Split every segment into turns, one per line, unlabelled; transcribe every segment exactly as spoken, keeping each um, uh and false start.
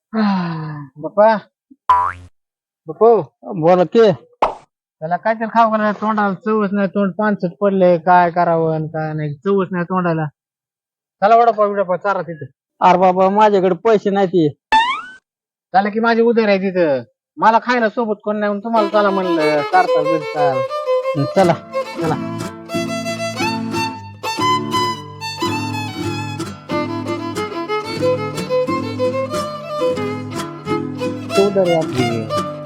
बाप्पा बापू
बोला की.
त्याला काय तर खाऊ का तोंडाला चवच नाही तोंड पानसट पडले काय करावं आणि काय नाही चवच नाही तोंडाला चला वडापाव बिडापाव चारा तिथं
अरे बाबा माझ्याकडे पैसे नाही ते.
झालं की माझी उदर आहे तिथं मला खायला सोबत कोण नाही म्हणून तुम्हाला चला म्हणलं चारता बिरता
चला
चला उदर आहे आपली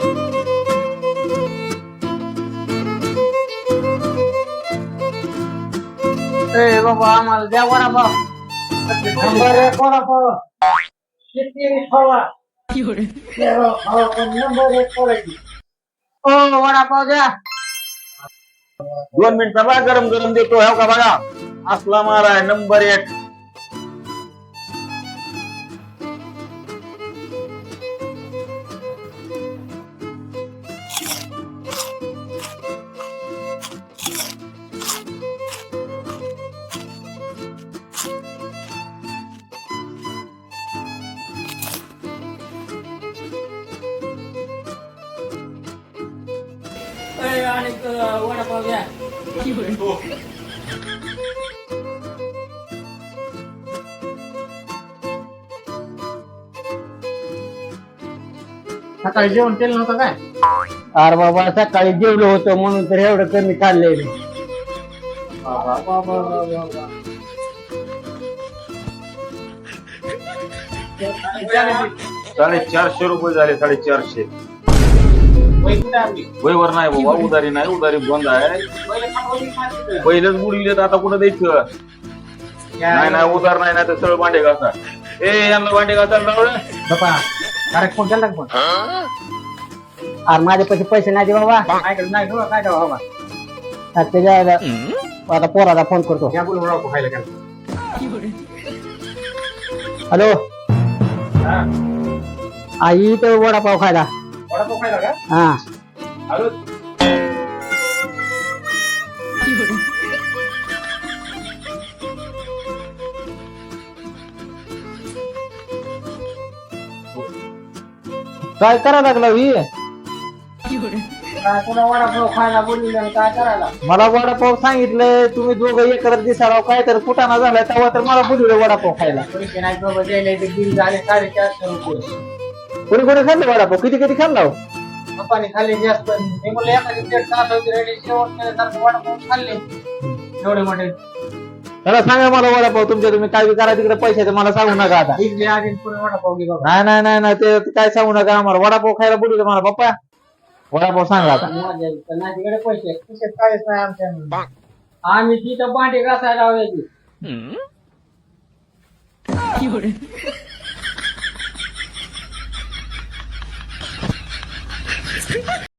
ए बाबा आम्हाला द्या वडापाव नंबर एक वडापाव किती खावा नंबर एक करायची ओ वडापाव द्या
दोन मिनिटं बघा गरम गरम देतो हो का बघा असला माल आहे नंबर एक.
वडापाव द्या सकाळी जेवण केलं नव्हतं काय
अरे बाबा सकाळी जेवलो होतो म्हणून तर एवढं कमी खाल्ले.
साडेचारशे रुपये झाले साडेचारशे.
वय कुठे आपली
वयवर नाही बाबा उदारी नाही उदारी बंद आहे. पहिलेच बुडविलेत आता कुठं द्यायचं नाही नाही उदार नाही नाही तर सरळ भांडे घासा. ए यांना भांडे घासायला लावलं
बापा डायरेक्ट फोन केला फोन
अरे माझे पैसे पैसे नाही दे बाबा.
ऐकलं नाही तुला काय द्यावं बाबा
आता त्याच्या आता पोराला फोन करतो.
या बोलून वडापाव खायला गेला
हॅलो आई तर वडापाव खायला.
वडापाव खायला का
हा
हॅलो
काय करा लागला ही.
काय तुला वडापाव खायला बोलले काय करायला
मला वडापाव सांगितलंय तुम्ही दोघं एकत्र दिसाला काय तर कुटाणा झालाय तेव्हा तर मला बोलवलं वडापाव खायला.
पैसे नाही बाबा द्यायला ते बिल झाले साडेचारशे रुपये
कोणी कोणी खाल्लं वडापाव किती किती खाल्ला हो?
पप्पाने खाल्ले जास्त मी म्हणलं एखादी प्लेट सात होती रेडी शेवट केल्यासारखं वडापाव खाल्ले एवढे मोठे
त्याला सांगा मला वडापाव तुमच्या तुम्ही काय बी करा तिकडे पैशाचे मला सांगू नका आता.
इथले आधी पुढे वडापाव घे बाबा
नाही नाही नाही नाही ते ते काय सांगू नका आम्हाला वडापाव खायला बोलवलं मला पप्पा वडापाव सांगा आता.
माझ्या इथं नाही तिकडे पैसे पैसे काहीच नाही आमच्या आम्ही तिथं भांडे घासायला लावायची